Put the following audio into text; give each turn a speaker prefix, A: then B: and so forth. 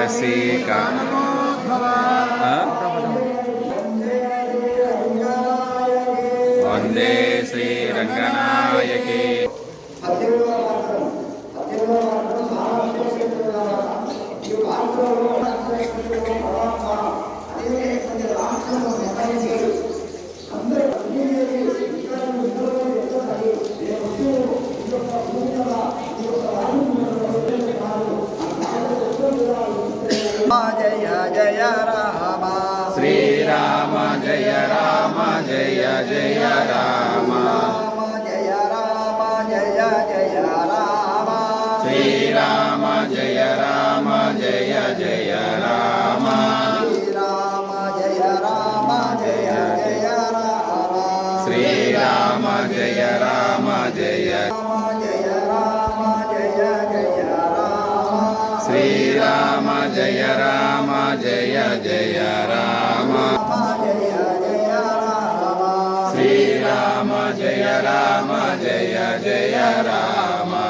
A: रसिका वंदे श्रीरंगनायकी
B: जय जय राम
A: श्री राम जय जय राम
B: जय राम जय जय राम
A: श्री राम जय जय राम
B: श्री राम जय राम जय
A: श्री राम जय जय राम श्री राम जय जय राम